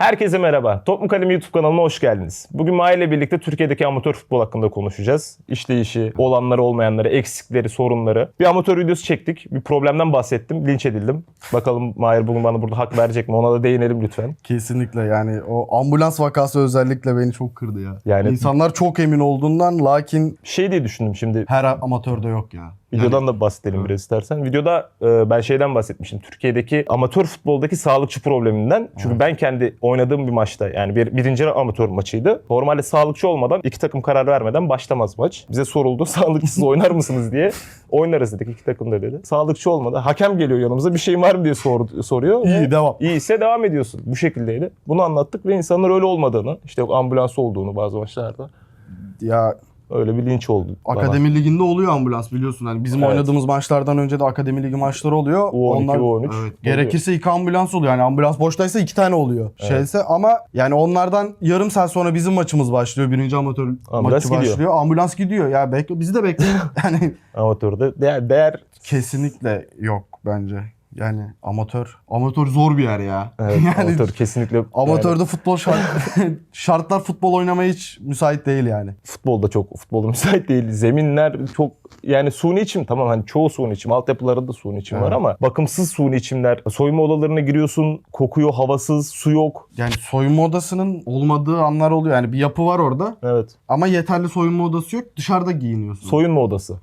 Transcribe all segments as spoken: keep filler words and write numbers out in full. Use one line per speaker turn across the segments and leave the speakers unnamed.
Herkese merhaba. Top mu Kalem YouTube kanalına hoş geldiniz. Bugün Mahir ile birlikte Türkiye'deki amatör futbol hakkında konuşacağız. İşleyişi, olanları olmayanları, eksikleri, sorunları. Bir amatör videosu çektik. Bir problemden bahsettim. Linç edildim. Bakalım Mahir bugün bana burada hak verecek mi? Ona da değinelim lütfen.
Kesinlikle yani o ambulans vakası özellikle beni çok kırdı ya.
Yani
İnsanlar çok emin olduğundan lakin
şey diye düşündüm şimdi.
her amatörde yok ya.
Videodan
Yani,
da bahsedelim
evet.
biraz istersen. Videoda e, ben şeyden bahsetmiştim. Türkiye'deki amatör futboldaki sağlıkçı probleminden. Çünkü
Evet.
ben kendi oynadığım bir maçta yani bir birinci amatör maçıydı. Normalde sağlıkçı olmadan iki takım karar vermeden başlamaz maç. Bize soruldu sağlıkçısız oynar mısınız diye. Oynarız dedik iki takım da dedi. Sağlıkçı olmadı. Hakem geliyor yanımıza bir şey var mı diye sor, soruyor.
İyi devam.
İyiyse devam ediyorsun. Bu şekildeydi. Bunu anlattık ve insanlar öyle olmadığını, işte yok ambulans olduğunu bazı maçlarda.
Ya
Öyle bir linç oldu bana.
akademi liginde oluyor ambulans biliyorsun. Hani bizim
Evet.
oynadığımız maçlardan önce de akademi ligi maçları oluyor.
U on iki,
Onlar,
U on üç
evet,
oluyor.
gerekirse iki ambulans oluyor. Yani ambulans boştaysa iki tane oluyor.
Evet.
Şeyse ama yani onlardan yarım saat sonra bizim maçımız başlıyor. Birinci amatör
Ambulans
maçı
gidiyor.
başlıyor. Ambulans gidiyor. Ya bekle, bizi de bekleyin. Yani
Amatörde değer, değer
kesinlikle yok bence. Yani amatör amatör zor bir yer ya.
evet,
yani
amatör kesinlikle
amatörde
yani,
futbol şart, şartlar futbol oynamaya hiç müsait değil yani.
futbolda çok futbolda müsait değil. Zeminler çok yani suni içim tamam hani çoğu suni içim. Altyapılarında suni içim var
Evet.
ama bakımsız suni içimler. Soyunma odalarına giriyorsun, kokuyor, havasız, su yok.
Yani soyunma odasının olmadığı anlar oluyor. Yani bir yapı var orada
Evet.
ama yeterli soyunma odası yok. Dışarıda giyiniyorsun.
Soyunma odası.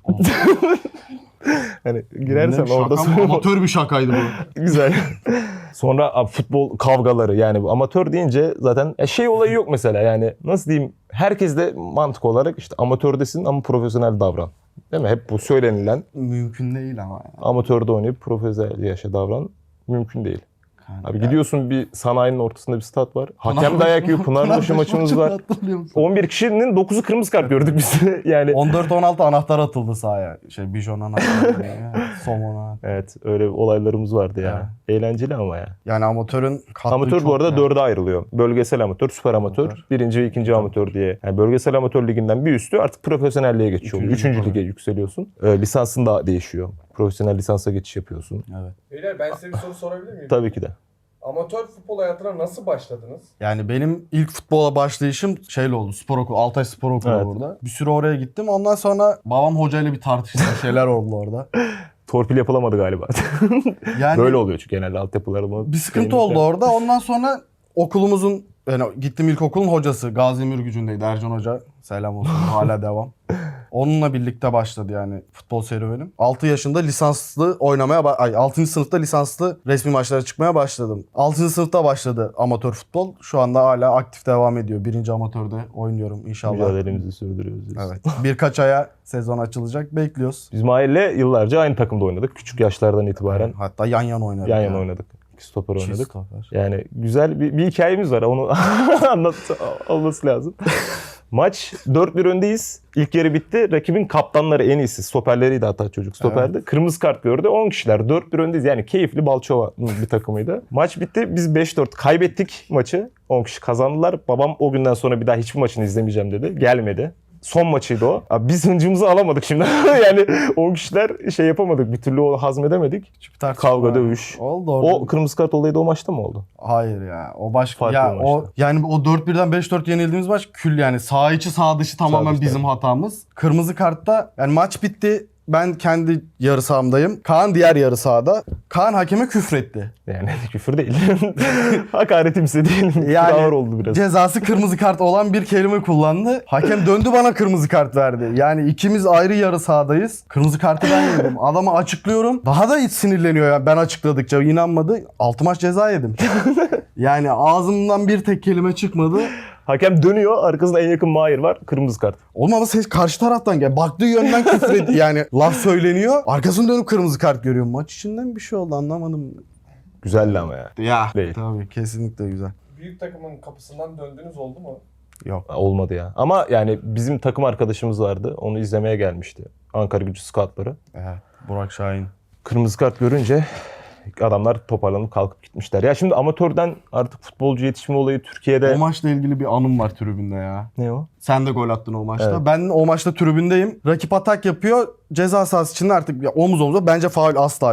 Hani girersen
Bilmiyorum,
orada
şaka mı?
soyunma
Amatör bir şakaydı bu.
güzel. Sonra abi, futbol kavgaları yani bu amatör deyince zaten ya şey olayı yok mesela yani nasıl diyeyim herkes de mantık olarak işte amatördesin ama profesyonel davran. Değil mi? Hep bu söylenilen
Mümkün değil ama. Yani.
amatörde oynayıp profesyonel yaşa davran mümkün değil.
Yani
Abi
ya.
gidiyorsun bir sanayinin ortasında bir stat var. Hakem dayak yiyor. Pınarbaşı maçımız var. on bir kişinin dokuzu kırmızı kart gördük biz. Yani
on dört on altı anahtar atıldı sahaya. Şey bijon anahtarı. Somona.
evet öyle olaylarımız vardı ya. Eğlenceli ama ya.
Yani amatörün kattığı
Amatör
çok
bu arada
ya.
dörde ayrılıyor. Bölgesel amatör, süper amatör,
Amatör.
birinci ve ikinci amatör diye. Yani bölgesel amatör liginden bir üstü artık profesyonelliğe geçiyor.
Üçüncü
Üçüncü
lig
lige
oluyor.
yükseliyorsun. Ee, lisansın da değişiyor. Profesyonel lisansa geçiş yapıyorsun.
Evet.
Beyler ben size bir soru sorabilir miyim?
Tabii ki de.
Amatör futbol hayatına nasıl başladınız?
Yani benim ilk futbola başlayışım şeyle oldu. Spor okulu. Altay Spor Okulu
Evet.
burada. Bir süre oraya gittim. Ondan sonra babam hocayla bir tartıştı. Şeyler oldu orada.
Torpil yapılamadı galiba.
Yani
Böyle oluyor çünkü genelde altyapılarında.
bir sıkıntı oldu orada. Ondan sonra okulumuzun yani gittim ilkokulun hocası Gazi Mürgücü'ndeydi Ercan Hoca. Selam olsun. Hala devam. Onunla birlikte başladı yani futbol serüvenim. altı yaşında lisanslı oynamaya ba- ay altıncı sınıfta lisanslı resmi maçlara çıkmaya başladım. altıncı sınıfta başladı amatör futbol. Şu anda hala aktif devam ediyor. Birinci amatörde oynuyorum inşallah.
Mücadelemizi sürdürüyoruz. diyorsun.
Evet. Birkaç aya sezon açılacak. Bekliyoruz.
Biz Mahir'le yıllarca aynı takımda oynadık. Küçük yaşlardan itibaren
Hatta yan yana oynadık.
yan
ya.
yana oynadık. İki stoper
Çift
oynadık.
stoper.
Yani güzel bir, bir hikayemiz var. Onu anlat olması lazım. Maç dört bir öndeyiz. İlk yarı bitti. Rakibin kaptanları en iyisi. Stoperleriydi hatta çocuk stoperdi. Kırmızı kart gördü. on kişiler. dört bir öndeyiz. Yani keyifli Balçova bir takımıydı. Maç bitti. Biz beş dört kaybettik maçı. on kişi kazandılar. Babam o günden sonra bir daha hiçbir maçını izlemeyeceğim dedi. Gelmedi. Son maçıydı o. Abi biz hıncımızı alamadık şimdi. Yani on kişiler şey yapamadık. Bir türlü o hazmedemedik.
Küçük bir tartışma.
Kavga, dövüş.
Oldu orada.
O kırmızı kart olayı da o maçta mı oldu?
Hayır ya. O başka
Farklı
ya
bir
o
maçtı.
yani o dört birden beş dört yenildiğimiz maç kül yani sağ içi sağ dışı tamamen
dışı,
bizim
tabii.
hatamız. Kırmızı kartta yani maç bitti. Ben kendi yarı sahamdayım. Kaan diğer yarı sahada. Kaan hakeme küfretti.
Yani küfür değil. Hakaretimse değil.
Yani
Yani, ağır oldu biraz.
Cezası kırmızı kart olan bir kelime kullandı. Hakem döndü bana kırmızı kart verdi. Yani ikimiz ayrı yarı sahadayız. Kırmızı kartı ben yedim. Adama açıklıyorum. Daha da hiç sinirleniyor ya ben açıkladıkça inanmadı. Altı maç ceza yedim. Yani ağzımdan bir tek kelime çıkmadı.
Hakem dönüyor. Arkasında en yakın Mahir var. Kırmızı kart.
Oğlum ama ses karşı taraftan gel. Baktığı yönden küfür ediyor. Yani laf söyleniyor. Arkasını dönüp kırmızı kart görüyor. Maç içinden bir şey oldu anlamadım.
Güzeldi ama ya.
Ya
Değil.
tabii kesinlikle güzel.
Büyük takımın kapısından döndüğünüz oldu mu?
Yok.
Olmadı ya. Ama yani bizim takım arkadaşımız vardı. Onu izlemeye gelmişti. Ankara Gücü scoutları.
Evet. Burak Şahin.
Kırmızı kart görünce adamlar toparlanıp kalkıp gitmişler. Ya şimdi amatörden artık futbolcu yetişme olayı Türkiye'de...
O maçla ilgili bir anım var tribünde ya.
Ne o?
Sen de gol attın o maçta.
Evet.
Ben o maçta tribündeyim. Rakip atak yapıyor. Ceza sahası içinde artık ya omuz omuza. Bence faul asla yok.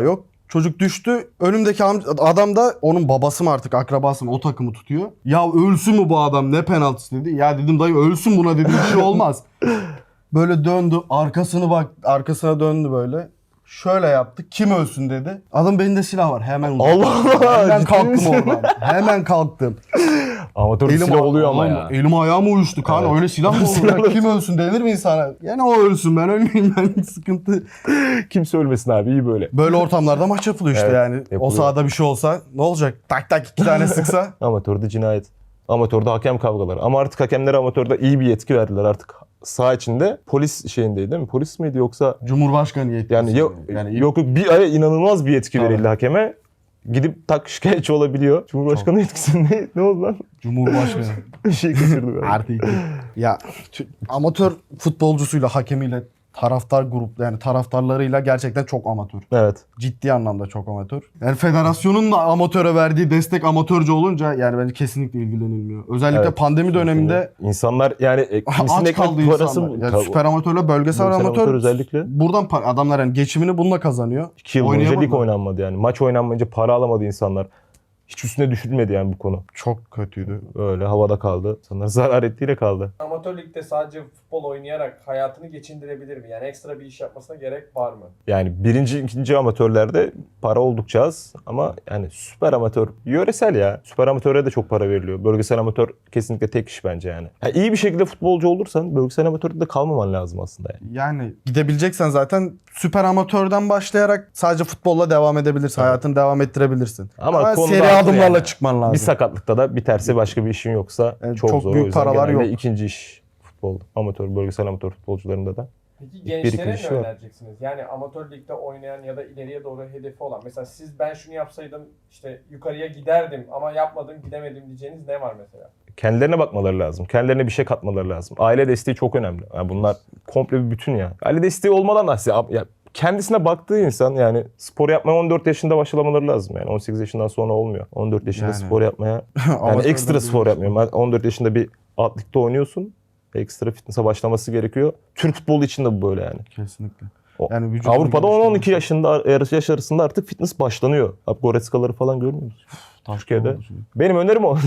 Çocuk düştü. Önümdeki amca- adam da onun babası mı artık akrabası mı o takımı tutuyor. Ya ölsün mü bu adam ne penaltısı dedi. Ya dedim dayı ölsün buna dedim bir şey olmaz. Böyle döndü arkasını bak arkasına döndü böyle. Şöyle yaptı. Kim ölsün dedi. Adam belinde silah var. Hemen uzattı.
Allah Allah,
Hemen
ciddi
kalktım
misin?
oradan. Hemen kalktım.
Amatör silah oluyor ama ya.
Elim ayağım uyuştu kan.
Evet.
Öyle silah mı olur?
Silah
Ya? Kim ölsün denir mi insana? Yani o ölsün ben ölmeyeyim ben sıkıntı.
Kimse ölmesin abi, iyi böyle.
Böyle ortamlarda maç yapılıyor işte
Evet,
yani.
yapılıyor.
O sahada bir şey olsa ne olacak? Tak tak iki tane sıksa.
Amatörde cinayet. Amatörde hakem kavgaları. Ama artık hakemlere amatörde iyi bir yetki verdiler artık. Saha içinde polis şeyindeydi değil mi? Polis miydi yoksa?
Cumhurbaşkanı yetkisi.
Yani yok
yani
yok, yok bir ay inanılmaz bir yetki
Tabii.
verildi hakeme. Gidip tak şikayetçi olabiliyor. Cumhurbaşkanı yetkisi ne, ne oldu lan?
Cumhurbaşkanı.
Bir şey kaçırdı ben.
Artı iki. Ya tü- amatör futbolcusuyla hakemiyle taraftar grup yani taraftarlarıyla gerçekten çok amatör.
Evet.
Ciddi anlamda çok amatör. Yani federasyonun da amatöre verdiği destek amatörce olunca yani bence kesinlikle ilgilenilmiyor. Özellikle
Evet.
pandemi döneminde
İnsanlar yani e, kimisinin
aç kaldı
ekmek parası
insanlar. Yani
Tabii.
süper amatörle bölgesel
Bölgesel
amatör,
amatör özellikle.
buradan pa- adamlar yani geçimini bununla kazanıyor.
İki yıl boyunca lig
Oynayamadılar.
oynanmadı yani. Maç oynanmayınca para alamadı insanlar. Hiç üstüne düşülmedi yani bu konu.
Çok kötüydü.
Öyle havada kaldı. İnsanlar zarar ettiğiyle kaldı.
Amatör ligde sadece futbol oynayarak hayatını geçindirebilir mi? Yani ekstra bir iş yapmasına gerek var mı?
Yani birinci, ikinci amatörlerde para oldukça az ama yani süper amatör, yöresel ya. Süper amatöre de çok para veriliyor. Bölgesel amatör kesinlikle tek iş bence yani. yani iyi bir şekilde futbolcu olursan bölgesel amatörde de kalmaman lazım aslında yani.
Yani gidebileceksen zaten süper amatörden başlayarak sadece futbolla devam edebilirsin.
Evet.
Hayatını devam ettirebilirsin.
Ama
Ama,
konu
seri
dağıtır
adımlarla
yani.
çıkman lazım.
Bir sakatlıkta da biterse başka bir işin yoksa
Yani
çok,
çok
zor.
büyük
O yüzden
paralar
genelde
yok.
ikinci iş futbol. Amatör, bölgesel amatör futbolcularında da.
Peki
bir
gençlere
iki
ne
kişi var.
önereceksiniz? Yani amatör ligde oynayan ya da ileriye doğru hedefi olan. Mesela siz ben şunu yapsaydım işte yukarıya giderdim ama yapmadım gidemedim diyeceğiniz ne var mesela?
Kendilerine bakmaları lazım. Kendilerine bir şey katmaları lazım. Aile desteği çok önemli. Yani bunlar komple bir bütün ya. Aile desteği olmadan da aslında ya kendisine baktığı insan yani spor yapmaya on dört yaşında başlamaları lazım yani. on sekiz yaşından sonra olmuyor. on dört yaşında
Yani.
spor yapmaya yani
Amatörden
ekstra spor
büyük
yapmıyorum. Ben on dört yaşında bir alt ligde oynuyorsun. Ekstra fitness'a başlaması gerekiyor. Türk futbolu için de bu böyle yani.
Kesinlikle.
O-
Yani vücudunu
Avrupa'da on on iki
geliştirmesi.
yaşında yaş yaş arasında artık fitness başlanıyor. Abi Goretzka'ları falan görmüyor musun?
Taş
Türkiye'de.
oldu şimdi.
Benim önerim o.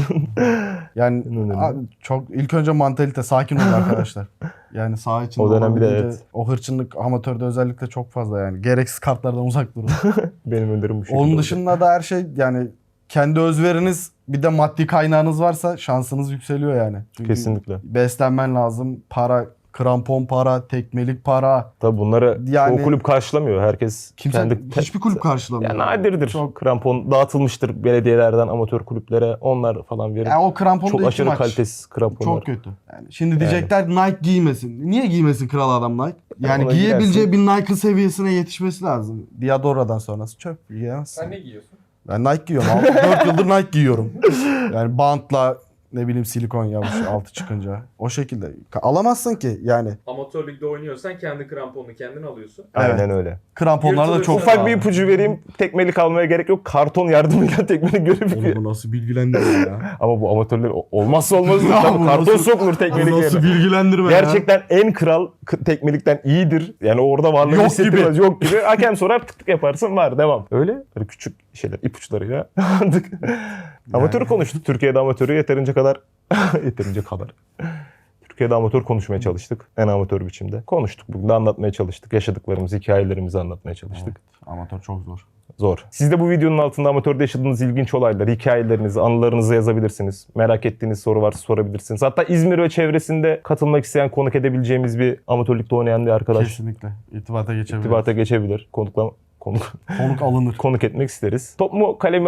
Yani
Benim önerim.
a- çok ilk önce mantalite sakin olun arkadaşlar. Yani saha içinde
O dönem bir de
olabildiğince
evet.
o hırçınlık amatörde özellikle çok fazla yani. Gereksiz kartlardan uzak durun.
Benim önerim bu şekilde.
Onun
olacak.
dışında da her şey yani kendi özveriniz bir de maddi kaynağınız varsa şansınız yükseliyor yani. Çünkü
Kesinlikle.
beslenmen lazım. Para, krampon para, tekmelik para.
Tabii bunları
Yani-
çoğu kulüp karşılamıyor. Herkes
Kimse
kendi...
hiçbir kulüp karşılamıyor.
Ya nadirdir.
Çok,
Krampon dağıtılmıştır belediyelerden amatör kulüplere. Onlar falan verir.
yani o kramponda
Çok
iki
aşırı
maç.
kalitesiz kramponlar.
Çok kötü. Yani şimdi diyecekler Nike giymesin. Niye giymesin kral adam Nike? Yani
Ona
giyebileceği
girersin.
bir Nike seviyesine yetişmesi lazım. Diadora'dan sonrası çöp. Giyemezsin.
Sen ne giyiyorsun?
Ben Nike giyiyorum. dört yıldır Nike giyiyorum. Yani bantla ne bileyim silikon yapmış altı çıkınca. O şekilde. Ka- Alamazsın ki yani.
Amatör ligde oynuyorsan kendi kramponunu kendin alıyorsun.
Aynen
Evet.
öyle.
Kramponlar da
Yırtılırsa
çok
Ufak
pahalı.
bir ipucu vereyim. Tekmelik almaya gerek yok. Karton yardımıyla tekmelik
Oğlum
görebiliyor.
bu nasıl bilgilendirme ya?
Ama bu amatörler o- olmazsa olmazdır.
Ya
Tabii
bu
karton
nasıl-
sokulur
Bu
tekmelik
nasıl
yerine.
bilgilendirme ya?
Gerçekten en kral k- tekmelikten iyidir. Yani orada varlığı
Yok
hissettirmez. Yok gibi. Hakem sorar tık tık yaparsın var devam. Öyle böyle küçük şeyler ipuçlarıyla artık. Amatörü konuştuk. Türkiye'de amatörü yeterince kadar yeterince kadar. Türkiye'de amatör konuşmaya çalıştık. En amatör biçimde. Konuştuk. Bugün de anlatmaya çalıştık. Yaşadıklarımızı, hikayelerimizi anlatmaya çalıştık.
Amatör çok zor.
Zor. Siz de bu videonun altında amatörde yaşadığınız ilginç olaylar, hikayelerinizi, anılarınızı yazabilirsiniz. Merak ettiğiniz soru varsa sorabilirsiniz. Hatta İzmir ve çevresinde katılmak isteyen, konuk edebileceğimiz bir amatörlükte oynayan bir arkadaş
Kesinlikle. İrtibata geçebilir.
irtibata geçebilir. Konukla, konuk,
Konuk alınır.
konuk etmek isteriz. Top mu kalemi?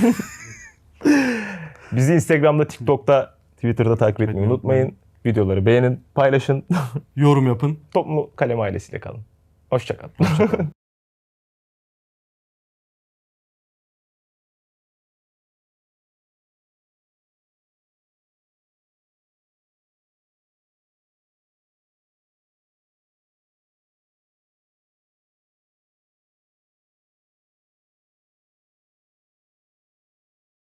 Bizi Instagram'da, TikTok'ta, Twitter'da takip etmeyi
Etmeyi
unutmayın. Videoları beğenin, paylaşın.
Yorum yapın.
Top mu kalem ailesiyle kalın. Hoşça kalın.